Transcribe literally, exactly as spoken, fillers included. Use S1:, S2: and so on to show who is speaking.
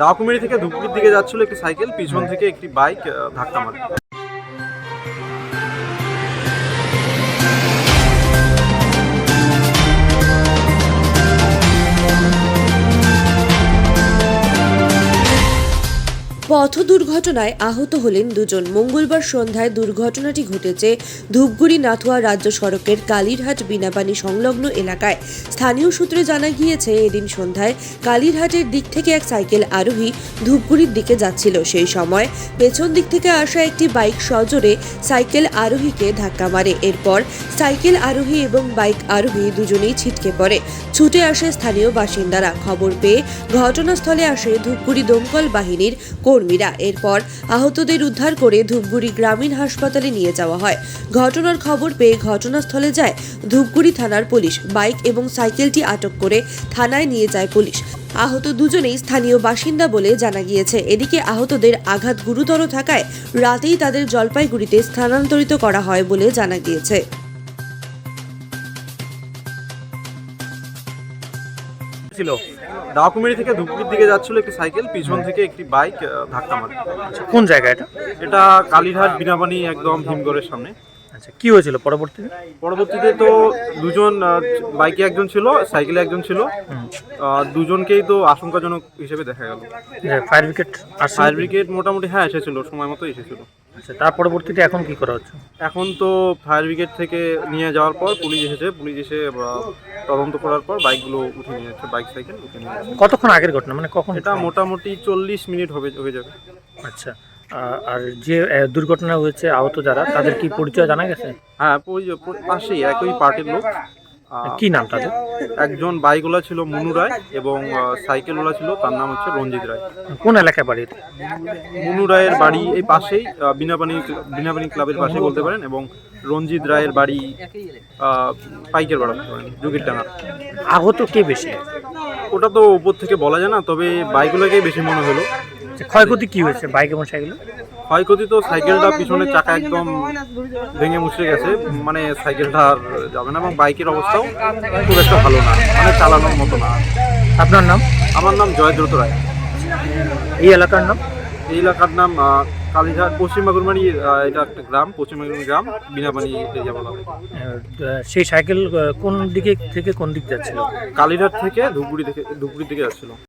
S1: ডাকুমেরি থেকে ধূপগুড়ির দিকে যাচ্ছিল একটি সাইকেল, পিছন থেকে একটি বাইক ধাক্কা মারে।
S2: পথ দুর্ঘটনায় আহত হলেন দুজন। মঙ্গলবার সন্ধ্যায় দুর্ঘটনাটি ঘটেছে ধূপগুড়ি নাথুয়া রাজ্য সড়কের কালীরহাট বিনাপানি সংলগ্ন এলাকায়। স্থানীয় সূত্রে জানা গিয়েছে, এদিন সন্ধ্যায় কালীরহাটের দিক থেকে এক সাইকেল আরোহী ধূপগুড়ির দিকে যাচ্ছিল। সেই সময় পেছন দিক থেকে আসা একটি বাইক সজোরে সাইকেল আরোহীকে ধাক্কা মারে। এরপর সাইকেল আরোহী এবং বাইক আরোহী দুজনেই ছিটকে পড়ে। ছুটে আসে স্থানীয় বাসিন্দারা। খবর পেয়ে ঘটনাস্থলে আসে ধূপগুড়ি দমকল বাহিনীর কর্মীরা। এরপর আহতদের উদ্ধার করে ধূপগুড়ি গ্রামীণ হাসপাতালে নিয়ে যাওয়া হয়। ঘটনার খবর পেয়ে ঘটনাস্থলে যায় ধূপগুড়ি থানার পুলিশ। বাইক এবং সাইকেলটি আটক করে থানায় নিয়ে যায় পুলিশ। আহত দুজনেই স্থানীয় বাসিন্দা বলে জানা গিয়েছে। এদিকে আহতদের আঘাত গুরুতর থাকায় রাতেই তাদের জলপাইগুড়িতে স্থানান্তরিত করা হয় বলে জানা গিয়েছে।
S1: ছিল ডাকুমেরি থেকে ধূপগুড়ির দিকে যাচ্ছিল একটি সাইকেল, পিছন থেকে একটি বাইক ধাক্কা মারে।
S3: কোন জায়গা এটা?
S1: এটা কালীরহাট বিনাপানি একদম হিমঘরের সামনে।
S3: আচ্ছা, কি হয়েছিল পরবর্তীতে?
S1: পরবর্তীতে তো দুজন, বাইকে একজন ছিল, সাইকেলে একজন ছিল, দুজনকেই তো আশঙ্কাজনক হিসেবে দেখা গেল।
S3: ফায়ার ব্রিগেড
S1: ফায়ার ব্রিগেড মোটামুটি হ্যাঁ এসেছিল, সময় মতো এসেছিল।
S3: আচ্ছা, তার পরবর্তীতে এখন কি করা হচ্ছে?
S1: এখন তো ফায়ার ব্রিগেড থেকে নিয়ে যাওয়ার পর পুলিশ এসেছে, পুলিশ এসে তদন্ত করার পর বাইকগুলো উঠে নিয়ে যাচ্ছে, বাইক সাইকেল উঠে নিয়ে যাচ্ছে।
S3: কতক্ষণ আগের ঘটনা, মানে কখন?
S1: এটা মোটামুটি চল্লিশ মিনিট হবে হয়ে যাবে।
S3: আচ্ছা, আর যে দুর্ঘটনা হয়েছে আহত যারা, তাদের কি পরিচয় জানা গেছে?
S1: হ্যাঁ, পাশেই একই পার্টির লোক।
S3: কি নাম তাদের?
S1: একজন বাইকওয়ালা ছিল মুনু রায় এবং সাইকেলওয়ালা ছিল, তার নাম হচ্ছে রঞ্জিত রায়।
S3: কোন এলাকায় বাড়ি?
S1: মুনু রায়ের বাড়ি এই পাশেই, বিনাপানি বিনাপানি ক্লাবের পাশে বলতে পারেন, এবং রঞ্জিত রায়ের বাড়ি পাইকের বাড়া বলতে পারেন, যুগের ডাঙা।
S3: আহত কে বেশি?
S1: ওটা তো উপর থেকে বলা যায় না, তবে বাইকগুলোকেই বেশি মনে হলো।
S3: ক্ষয়ক্ষতি কি হয়েছে বাইক এবং সাইকেলে?
S1: ক্ষয়ক্ষতি তো সাইকেলটা পিছনের চাকা একদম ভেঙে মুচড়ে গেছে, মানে সাইকেলটা আর যাবে না, এবং বাইকের অবস্থাও খুব একটা ভালো না, মানে চালানোর মতো না।
S3: আপনার নাম?
S1: আমার নাম জয়দ্রত রায়।
S3: এই এলাকার নাম?
S1: এই এলাকার নাম কালীঘাট, পশ্চিম বাগুরমারি। এটা একটা গ্রাম, পশ্চিম বাগুরমারি গ্রাম, বিনাপানি এরিয়া বলা হয়।
S3: সেই সাইকেল কোন দিকে থেকে কোন দিক যাচ্ছিল?
S1: কালীঘাট থেকে ধূপগুড়ি থেকে ধূপগুড়ির দিকে যাচ্ছিল।